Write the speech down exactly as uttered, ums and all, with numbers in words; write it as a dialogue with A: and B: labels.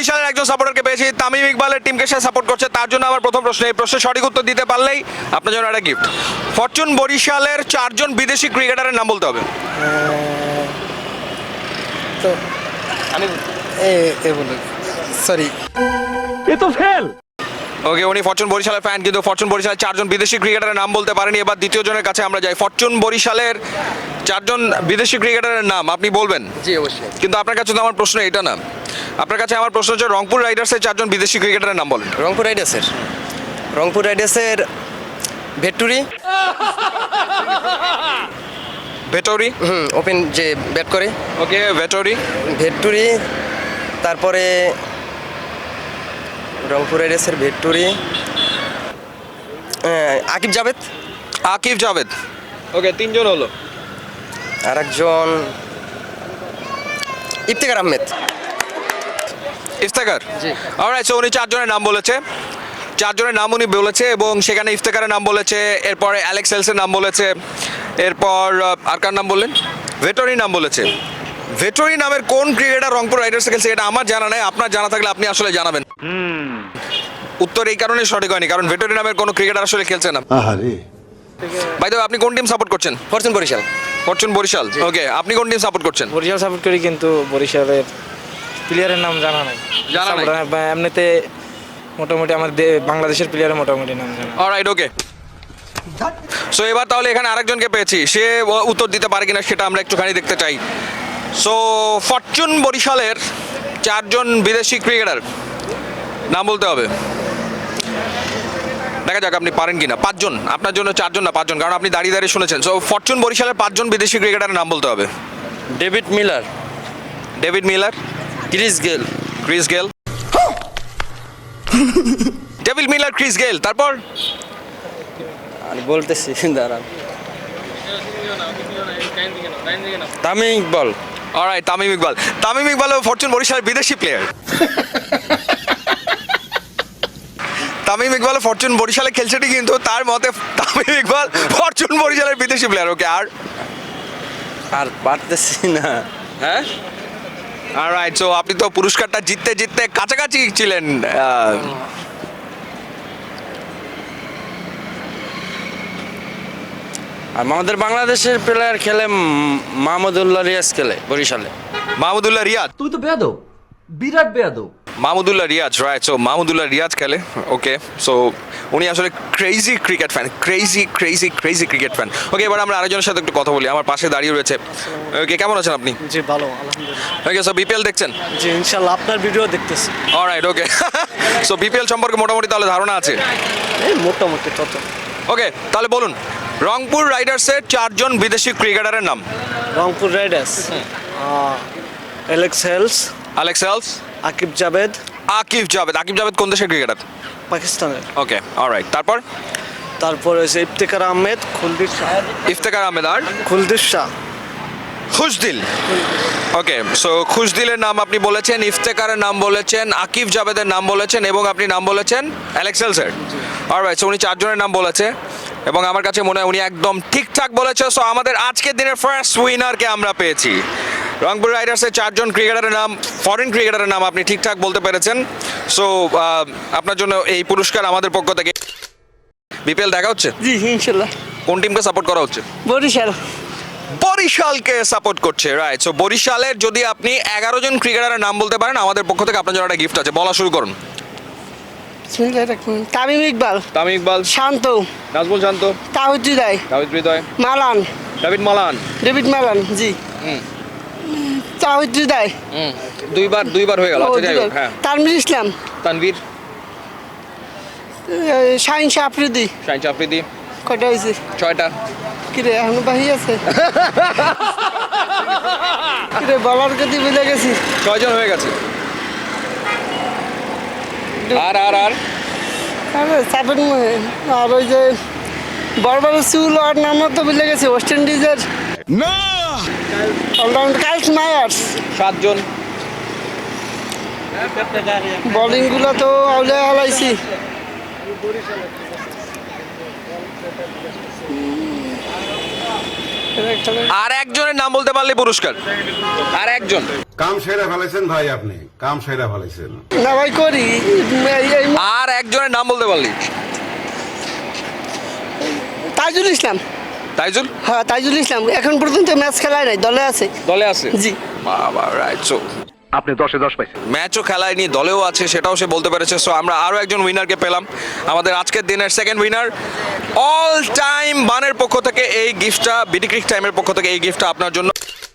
A: বরিশালের একজন সাপোর্টারকে পেয়েছি, তামিম ইকবালের টিমকে সে সাপোর্ট করছে, তার জন্য আমার প্রথম প্রশ্ন, এই প্রশ্নের সঠিক উত্তর দিতে পারলেই আপনার জন্য একটা গিফট। ফরচুন বরিশালের চারজন বিদেশি ক্রিকেটারের নাম বলতে হবে।
B: তো আমি এ বলুন, সরি
C: এ তো ফেল।
A: ওকে, উনি ফরচুন বরিশালের ফ্যান, কিন্তু ফরচুন বরিশালের চারজন বিদেশি ক্রিকেটারের নাম বলতে পারেনি। এবার দ্বিতীয় জনের কাছে আমরা যাই। ফরচুন বরিশালের চারজন বিদেশি ক্রিকেটারের নাম আপনি বলবেন?
B: জি অবশ্যই।
A: কিন্তু আপনার কাছে তো আমার প্রশ্ন এটা না, আপনার কাছে আমার প্রশ্ন হচ্ছে রংপুর রাইডার্সের চারজন বিদেশি ক্রিকেটারের নাম বলেন।
B: রংপুর রাইডার্সের রংপুর রাইডার্সের ভেট্টুরি,
A: ভেটরি।
B: হুম ওপেন যে ব্যাট করে,
A: ওকে, ভেটরি।
B: ভেট্টুরি, তারপরে রংপুর রাইডার্সের ভেট্টুরি, হ্যাঁ, আকিব জাভেদ,
A: আকিব জাভেদ। ওকে, তিনজন হলো।
B: আর একজন ইফতেখার আহমেদ।
A: ইফতেখার।
B: জি।
A: অলরাইট, সো উনি চারজনের নাম বলেছে, চারজনের নাম উনি বলেছে এবং সেখানে ইফতেখারের নাম বলেছে, এরপরে অ্যালেক্স হেলসের নাম বলেছে, এরপর আহ, আর কার নাম বললেন? ভেটরি নাম বলেছে। ভেটরি নামের কোন ক্রিকেটার রংপুর রাইডার্সে খেলছে এটা আমার জানা নাই, আপনার জানা থাকলে আপনি আসলে জানাবেন। উত্তর এই কারণে সঠিক হয়নি, কারণ ভেটরি নামের কোনো ক্রিকেটার আসলে খেলছে না। ভাই তো আপনি কোন টিম সাপোর্ট করছেন?
B: Fortune Barishal.
A: Fortune Barishal. Okay, আপনি কোন টিম সাপোর্ট করছেন?
D: বরিশাল সাপোর্ট করি, কিন্তু বরিশালের প্লেয়ারের নাম জানা নাই।
A: জানা নাই?
D: Support- বা এমনিতে মোটামুটি আমার দে- বাংলাদেশের প্লেয়ারের মোটামুটি নাম জানা।
A: অলরাইট, ওকে। সো এবার তাহলে এখানে আরেকজনকে পেয়েছি, সে ও- উত্তর দিতে পারে কিনা সেটা আমরা একটুখানি দেখতে চাই। সো ফরচুন বরিশালের চারজন বিদেশি ক্রিকেটার নাম বলতে হবে। দেখা যাক আপনি পারেন কিনা। পাঁচজন, আপনার জন্য চারজন না পাঁচজন, কারণ আপনি দাঁড়িয়ে দাঁড়িয়ে শুনেছেন। সো ফরচুন বরিশালের পাঁচজন বিদেশি ক্রিকেটারের নাম বলতে হবে।
B: David Miller,
A: David Miller,
B: Chris Gayle,
A: Chris Gayle. David Miller, Chris Gayle, তারপর
B: আমি বলতেছি দাঁড়ান, তামিম ইকবাল।
A: অলরাইট, তামিম ইকবাল। তামিম ইকবাল ফরচুন বরিশালের বিদেশি প্লেয়ার। তামিম ইকবাল ফরচুন বরিশালে খেলছে ঠিক, কিন্তু তার মতে তামিম ইকবাল ফরচুন বরিশালের বিদেশি প্লেয়ার। ওকে, আর
B: আর পারতেছি না।
A: হ্যাঁ, অলরাইট, সো আপনি তো পুরস্কারটা জিততে জিততে কাছাকাছি ছিলেন। আহ,
B: আর আমাদের বাংলাদেশের প্লেয়ার খেলে উম, মাহমুদুল্লাহ রিয়াজ খেলে বরিশালে।
A: মাহমুদুল্লাহ রিয়াজ।
C: তুই তো বেয়াদব, বিরাট বেয়াদব।
A: মাহমুদুল্লাহ রিয়াজ, রাইট। সো মাহমুদুল্লাহ রিয়াজ খেলে। ওকে, সো উনি আসলে crazy cricket fan, crazy crazy crazy cricket fan. Okay, এবার আমরা আরেকজনের সাথে একটু কথা বলি। আমার পাশে দাঁড়িয়ে রয়েছে। ওকে, কেমন আছেন আপনি?
E: জি ভালো আলহামদুলিল্লাহ।
A: ওকে, সো বিপিএল দেখছেন?
E: জি ইনশাল্লাহ আপনার ভিডিও দেখতেছি।
A: অলরাইট, ওকে। সো বিপিএল সম্পর্কে মোটামুটি তাহলে ধারণা আছে?
E: এই মোটামুটি তত।
A: ওকে, তাহলে বলুন রংপুর রাইডার্সের চারজন বিদেশি ক্রিকেটারের নাম।
E: Rangpur Riders, Alex Hales,
A: Alex Hales,
E: Aqib Javed,
A: Aqib Javed. Aqib Javed কোন দেশের ক্রিকেটার?
E: পাকিস্তানের।
A: ওকে, অলরাইট, তারপর
E: তারপরে হচ্ছে ইফতেখার আহমেদ, খুলদির শাহ,
A: ইফতেখার আহমেদ, আর
E: খুলদির শাহ,
A: খুশদিল। ওকে, সো খুশদিলের নাম আপনি বলেছেন, ইফতেখারের নাম বলেছেন, আকিব জাভেদের নাম বলেছেন এবং আপনি নাম বলেছেন অ্যালেক্স হেলসের। অলরাইট, সো উনি চারজনের নাম বলেছে এবং আমার কাছে মনে হয় উনি একদম ঠিকঠাক বলেছে। সো আমাদের আজকের দিনের ফার্স্ট উইনারকে আমরা পেয়েছি। রংপুর রাইডার্সের চারজন ক্রিকেটারের নাম, ফরেন ক্রিকেটারের নাম আপনি ঠিকঠাক বলতে পেরেছেন। সো আপনার জন্য এই পুরস্কার আমাদের পক্ষ থেকে। বিপিএল দেখা হচ্ছে?
E: জি ইনশাল্লাহ।
A: কোন টিমকে সাপোর্ট করা হচ্ছে?
E: বরিশাল।
A: বরিশালকে সাপোর্ট করছে, রাইট। সো বরিশালের যদি আপনি এগারো জন ক্রিকেটারের নাম বলতে পারেন, আমাদের পক্ষ থেকে আপনার জন্য একটা গিফট আছে। বলা শুরু করুন।
E: তামিম ইকবাল,
A: তামিম ইকবাল,
E: শান্ত,
A: নাজমুল শান্ত,
E: তাহিদ হৃদয়,
A: দাভিদ Hridoy,
E: Malan,
A: David Malan.
E: David Malan. জি
A: হুম
E: তাহিদ হৃদয়,
A: হুম দুইবার দুইবার হয়ে গেল। আচ্ছা, যাই হোক, হ্যাঁ।
E: তানভীর ইসলাম,
A: তানভীর,
E: শাহিন শাহ আফ্রিদি।
A: শাহিন আফ্রিদি।
E: কয়টা হয়েছে?
A: ছয়টা।
E: কিরে এখনো বাহি আছে? কিরে বলার গতি বুঝে গেছি।
A: ছয়জন হয়ে গেছে। আর আর আর
E: আরে সাবেন আর ওই যে বড় বড় চুল আর নাম তো বুঝে গেছে, ওয়েস্ট ইন্ডিজের
F: না
E: অলরাউন্ডার কাইস মায়ার্স।
A: সাতজন।
E: বোলিং গুলো তো আউলে হালাইছি।
A: আর একজনের নাম বলতে পারলে পুরস্কার। আর একজন।
F: কাম সেরা ফেলেছেন ভাই, আপনি কাম সেরা ফেলেছেন।
E: না ভাই করি এই- এই
A: আর একজনের নাম বলতে পারলি।
E: তাইজুল ইসলাম।
A: তাইজুল
E: হ্যাঁ তাইজুল ইসলাম এখন পর্যন্ত ম্যাচ খেলায় নাই, দলে আছে।
A: দলে আছে।
E: জি।
A: বাবা রাইট। সো
C: আপনি দশে দশ পাইছেন।
A: ম্যাচও খেলায়নি, দলেও আছে, সেটাও সে বলতে পেরেছে। সো আমরা আরও একজন উইনারকে পেলাম, আমাদের আজকের দিনের সেকেন্ড উইনার। অল টাইম বানের পক্ষ থেকে এই গিফটটা, বিডি ক্রিক টাইমের পক্ষ থেকে এই গিফটটা আপনার জন্য।